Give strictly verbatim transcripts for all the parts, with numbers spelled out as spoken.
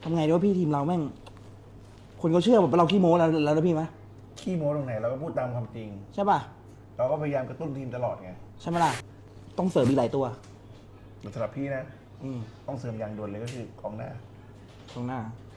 ทำไงดีว่าพี่ทีมเราแม่งคนเขาเชื่อแบบเราขี้โม้แล้วแล้วนะพี่ไหมขี้โม้ตรงไหนเราก็พูดตามความจริงใช่ป่ะเราก็พยายามกระตุ้นทีมตลอดไงใช่ไหมล่ะต้องเสริมอีกหลายตัวแต่สำหรับพี่นะอืมต้องเสริมอย่างด่วนเลยก็คือกองหน้าตรงหน้าก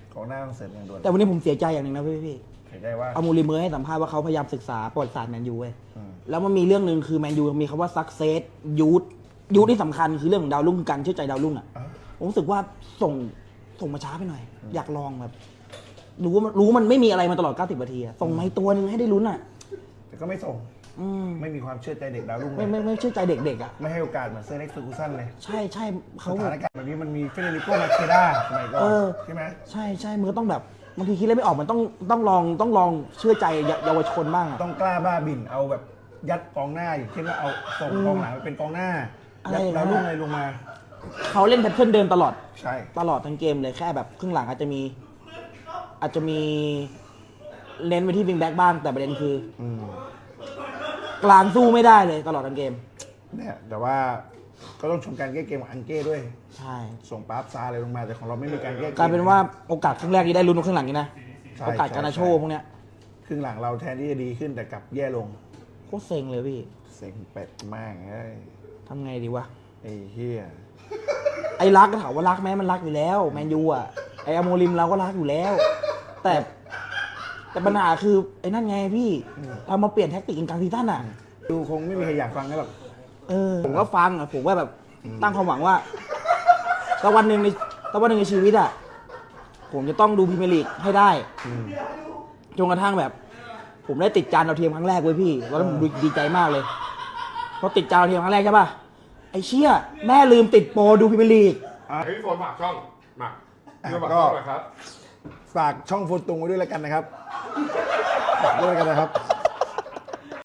องหน้าต้องเสริมอย่างด่วนแต่วันนี้ผมเสียใจอย่างหนึ่งนะพี่พี่เห็นได้ว่าอามูริเมอร์ให้สัมภาษณ์ว่าเขาพยายามศึกษาประวัติศาสตร์แมนยูเว้ยอืมแล้วมันมีเรื่องหนึ่งคือแมนยูมีคำว่า success youth youth ที่สำคัญคือเรื่องของดาวรุ่งการเชื่อใจดาวรุ่งอ่ะอ่ะผมรู้สึกว่าส่งส่งมาช้าไปหน่อย อยากลองแบบรู้ว่ารู้มันไม่มีอะไรมาตลอดเก้าสิบนาทีอะส่งมาอีกตัวหนึ่งให้ได้ลุ้นอ่ะแต่ก็ไม่ส่งอืมไม่มีความเชื่อใจเด็กดาวรุ่งเลไม่ยไม่ไม่เชื่อใจเด็กๆอ่ะไม่ให้โอกาสเหมือนเซอร์เล็กซ์เฟอร์กูสันเลยใช่ใช่เขาสแบถาบนการณ์แบบนี้มันมีเฟเดริโกมาเชด้าสมัยก่อนเออใช่ไหมใช่ใช่มือต้องแบบบางทีคิดอะไรไม่ออกมันต้องต้องลองต้องลองเชื่อใจเยาวชนบ้างอ่ะต้องกล้าบ้าบิ่นเอาแบบยัดกองหน้าอย่างเช่นว่าเอาส่งกองหลังไปเป็นกองหน้าอะไรยัดอย่างนั้ดาวน รุ่งอะอะไรลงมาเขาเล่นแพทเทิร์นเดิมตลอดใช่ตลอดทั้งเกมเลยแค่แบบครึ่งหลังอาจจะมี อาจจะมีเน้นไปที่วิงแบ็กบ้างแต่ประเด็นคืออืมกลางสู้ไม่ได้เลยตลอดทั้งเกมเนี่ยแต่ว่าก็ต้องชมการแก้เกมของอังเก้ด้วยใช่ส่งปาร์ฟซาอะไรลงมาแต่ของเราไม่มีการแก้เกมกลายเป็นว่าโอกาสครึ่งแรกที่ได้ลุ้นครึ่งหลังนี่นะใช่โอกาสใช่การนาโชใช่พวกเนี้ยครึ่งหลังเราแทนที่จะดีขึ้นแต่กลับแย่ลงโคตรเซ็งเลยพี่เซ็งเป็ดมากเอ้ยทำไงดีวะไอ้เฮียไอ้รักก็ถามว่ารักไหมมันรักอยู่แล้วแมนยูอ่ะไอ้อโมริมเราก็รักอยู่แล้ว แต่แต่ปัญหาคือไอ้นั่นไงพี่เรามาเปลี่ยนแท็กติกกลางซีซั่นอ่ะดูคงไม่มีใครอยากฟังกันหรอกเออผมก็ฟังอ่ะผมว่าแบบตั้งความหวังว่าสักวันหนึ่งในสักวันหนึ่งในชีวิตอ่ะผมจะต้องดูพรีเมียร์ลีกให้ได้จนกระทั่งแบบ ผมได้ติดจานดาวเทียมครั้งแรกเว้ยพี่ตอนนั้นผมดีใจมากเลยพอติดจานดาวเทียมครั้งแรกใช่ป่ะไอ้เชี่ยแม่ลืมติดโปรดูพรีเมียร์ลีกให้พี่โฟนฝากช่องมาพี่โฟนฝากช่องหน่อยครับฝากช่องโฟนตุงไว้ด้วยแล้วกันนะครับฝากด้วยแล้วกันนะครับ